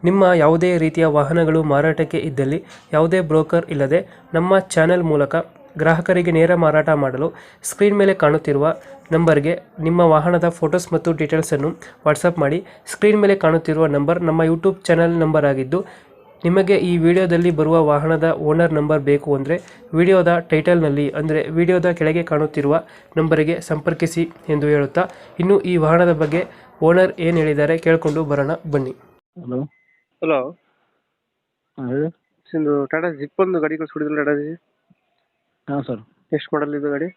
ನಿಮ್ಮ ಯಾವುದೇ ರೀತಿಯ ವಾಹನಗಳು ಮಾರಾಟಕ್ಕೆ ಇದ್ದಲ್ಲಿ ಯಾವುದೇ ಬ್ರೋಕರ್ ಇಲ್ಲದೆ ನಮ್ಮ ಚಾನೆಲ್ ಮೂಲಕ ಗ್ರಾಹಕರಿಗೆ ನೇರ ಮಾರಾಟ ಮಾಡಲು ಸ್ಕ್ರೀನ್ ಮೇಲೆ ಕಾಣುತ್ತಿರುವ ನಂಬರ್ಗೆ ನಿಮ್ಮ ವಾಹನದ ಫೋಟೋಸ್ ಮತ್ತು ಡೀಟೇಲ್ಸನ್ನು ವಾಟ್ಸಪ್ ಮಾಡಿ. ಸ್ಕ್ರೀನ್ ಮೇಲೆ ಕಾಣುತ್ತಿರುವ ನಂಬರ್ ನಮ್ಮ ಯೂಟ್ಯೂಬ್ ಚಾನೆಲ್ ನಂಬರ್ ಆಗಿದ್ದು, ನಿಮಗೆ ಈ ವಿಡಿಯೋದಲ್ಲಿ ಬರುವ ವಾಹನದ ಓನರ್ ನಂಬರ್ ಬೇಕು ಅಂದರೆ ವಿಡಿಯೋದ ಟೈಟಲ್ನಲ್ಲಿ ಅಂದರೆ ವಿಡಿಯೋದ ಕೆಳಗೆ ಕಾಣುತ್ತಿರುವ ನಂಬರಿಗೆ ಸಂಪರ್ಕಿಸಿ ಎಂದು ಹೇಳುತ್ತಾ, ಇನ್ನು ಈ ವಾಹನದ ಬಗ್ಗೆ ಓನರ್ ಏನು ಹೇಳಿದ್ದಾರೆ ಕೇಳಿಕೊಂಡು ಬರೋಣ ಬನ್ನಿ. ಹಲೋ. ಹಲೋ, ಹಾಂ ಹೇಳಿ. ಇದು ಟಾಟಾ ಜಿಪ್ ಒಂದು ಗಾಡಿ ಕಳಿಸ್ಕೊಡಿದ್ರು. ಟಾಟಾ ಜಿ ಹಾಂ ಸರ್. ಎಷ್ಟು ಮಾಡಲ್ ಇದು ಗಾಡಿ?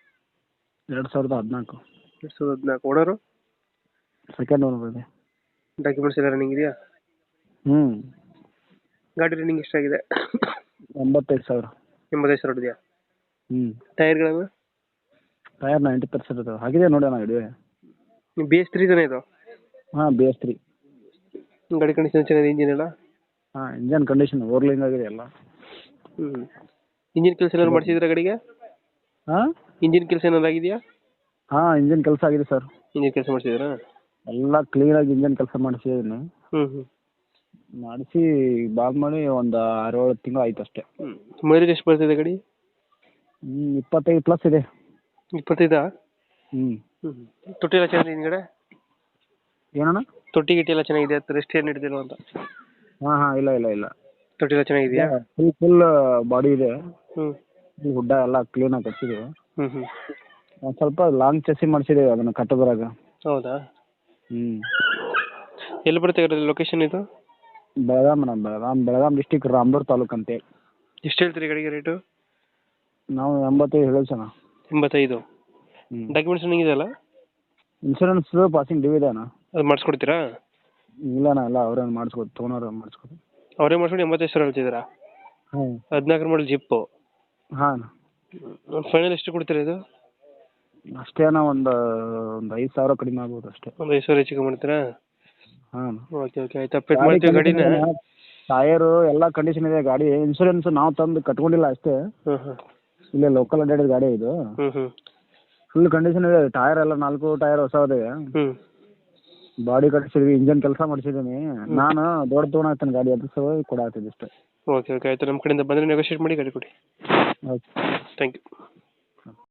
2014. 2014. ಓನರು? ಸೆಕೆಂಡ್ ಓನರ್ ಇದೆ. ಡಾಕ್ಯುಮೆಂಟ್ಸ್ ಎಲ್ಲ ರನ್ನಿಂಗ್ ಇದೆಯಾ? ಹ್ಞೂ. ಗಾಡಿ ರನ್ನಿಂಗ್ ಎಷ್ಟಾಗಿದೆ? 85,000. 85,000 ಇದೆಯಾ? ಹ್ಞೂ. ಟೈರ್ಗಳನ್ನು? ಟೈರ್ 90% ಇದಾವೆ. ಹಾಗಿದೆ ನೋಡಿ ಅಣ್ಣ ಗಾಡಿ. BS3 ತಾನೇ ಇದು? ಹಾಂ BS3. ಗಾಡಿ ಕಂಡೀಷನ್ ಚೆನ್ನಾಗಿದೆ, ಇಂಜಿನ್ ಎಲ್ಲ? ಹಾಂ ಇಂಜನ್ ಕಂಡೀಷನ್ ಓರ್ಲಿಂಗ್ ಆಗಿದೆ ಎಲ್ಲ. ಇಂಜಿನ್ ಕೆಲಸ ಏನಾದ್ರು ಮಾಡಿಸಿದ್ರೆ ಗಾಡಿಗೆ? ಹಾಂ ಇಂಜಿನ್ ಕೆಲಸ ಏನಾದ್ರು ಆಗಿದೆಯಾ? ಹಾಂ ಇಂಜನ್ ಕೆಲಸ ಆಗಿದೆ ಸರ್. ಇಂಜಿನ್ ಕೆಲಸ ಮಾಡಿಸಿದ್ರಾ? ಎಲ್ಲ ಕ್ಲೀನಾಗಿ ಇಂಜನ್ ಕೆಲಸ ಮಾಡಿಸಿದ್ದೀನಿ. ಹ್ಞೂ. ಮಾಡಿಸಿ ಬಾಲ್ ಮಾಡಿ ಒಂದು 6-7 ತಿಂಗಳು ಆಯ್ತು ಅಷ್ಟೇ. ಮೈಲೇಜ್ ಎಷ್ಟು ಬರ್ತಿದೆ ಗಾಡಿ? 25+ ಇದೆ. 25? ಹ್ಞೂ. ತೊಟ್ಟಿ ಎಲ್ಲ ಚೆನ್ನಾಗಿದೆ ಹಿಂದ್ಗಡೆ? ಏನಣ್ಣ? ತೊಟ್ಟಿ ಗಿಟ್ಟಿ ಎಲ್ಲ ಚೆನ್ನಾಗಿದೆ, ರೆಸ್ಟ್ ಏನು ಹಿಡಿದಿಲ್ಲ ಅಂತ? ಹಾಂ ಹಾಂ ಇಲ್ಲ. ತೊಟ್ಟಿ ಎಲ್ಲ ಚೆನ್ನಾಗಿದೆಯಾ? ಫುಲ್ ಬಾಡಿ ಇದೆ. ಹ್ಞೂ. ಹುಡ್ಡ ಎಲ್ಲ ಕ್ಲೀನಾಗಿ ಕಟ್ಸಿದ್ದೀವಿ. ಹ್ಞೂ. ಒಂದು ಸ್ವಲ್ಪ ಲಾಂಗ್ ಚೆಸಿ ಮಾಡಿಸಿದ್ದೀವಿ ಅದನ್ನು ಕಟ್ಟೋದ್ರಾಗ. ಹೌದಾ? ಹ್ಞೂ. ಎಲ್ಲಿ ಬರುತ್ತೆ ಗಾಡಿ ಲೊಕೇಶನ್ ಇದು? ಬೆಳಗಾಂ ಡಿಸ್ಟಿಕ್ ರಾಮದುರ್ಗ ತಾಲೂಕು ಅಂತೇಳಿ. ಎಷ್ಟು ಹೇಳ್ತೀರಿ ಗಾಡಿಗೆ ರೇಟು? ನಾವು 85 ಹೇಳೋದು ಸಣ್ಣ. 85? ಹ್ಞೂ. ಡಾಕ್ಯುಮೆಂಟ್ಸ್ ರನ್ನಿಂಗ್ ಇದೆಯಲ್ಲ? ಇನ್ಶೂರೆನ್ಸ್ ಪಾಸಿಂಗ್ ಡ್ಯೂ ಇದೆ ಅಣ್ಣ. ಅದು ಮಾಡಿಸ್ಕೊಡ್ತೀರಾ? ಇಲ್ಲಣ್ಣ, ಎಲ್ಲ ಅವ್ರೇನು ಮಾಡಿಸ್ಕೊಡು, ತೊಗೊಂಡ್ರೆ ಮಾಡಿಸ್ಕೊಡು. ಅವರೇ ಮಾಡಿಸ್ಕೊಂಡು 85,000 ಹೇಳ್ತಿದ್ದೀರಾ? ಹಾಂ. 14 ಮಾಡಲ್ ಜಿಪ್ಪು? ಹಾಂ. ಫೈನಲ್ ಎಷ್ಟು ಕೊಡ್ತೀರಾ ಇದು? ಅಷ್ಟೇ ಅಣ್ಣ, ಒಂದು 5,000 ಕಡಿಮೆ ಆಗ್ಬೋದು ಅಷ್ಟೇ. ಒಂದು 5,000 ಹೆಚ್ಚಿಗೆ ಮಾಡ್ತೀರಾ? ಹಾಂ. ಓಕೆ ಆಯ್ತು, ಅಪ್ಡೇಟ್ ಮಾಡ್ತೀವಿ ಗಾಡಿನ. ಟಯರು ಎಲ್ಲ ಕಂಡೀಷನ್ ಇದೆ. ಗಾಡಿ ಇನ್ಶೂರೆನ್ಸ್ ನಾವು ತಂದು ಕಟ್ಕೊಂಡಿಲ್ಲ ಅಷ್ಟೇ. ಹ್ಞೂ. ಇಲ್ಲೇ ಲೋಕಲ್ ಅಡ್ಡಾಡಿದ ಗಾಡಿ ಇದು. ಹ್ಞೂ. ಫುಲ್ ಕಂಡೀಷನ್ ಇದೆ. ಟಯರ್ ಎಲ್ಲ 4 ಟಯರ್ ಹೊಸದಿದೆ. ಹ್ಞೂ. ಬಾಡಿ ಕಟ್ಸಿದ್ವಿ, ಇಂಜನ್ ಕೆಲಸ ಮಾಡಿಸಿದ್ದೀನಿ. ನಾನು ದೊಡ್ಡ ತೊಗೊಂಡಾಗ್ತೇನೆ ಗಾಡಿ, ಅದು ಸಲುವಾಗಿ ಕೊಡಾಗ್ತಿದ್ದೆ ಅಷ್ಟೇ. ಓಕೆ ಆಯ್ತು, ನಮ್ಮ ಕಡೆಯಿಂದ ಬಂದರೆ ನೆಗೋಷಿಯೇಟ್ ಮಾಡಿ ಗಾಡಿ ಕೊಡಿ. ಓಕೆ. Thank you.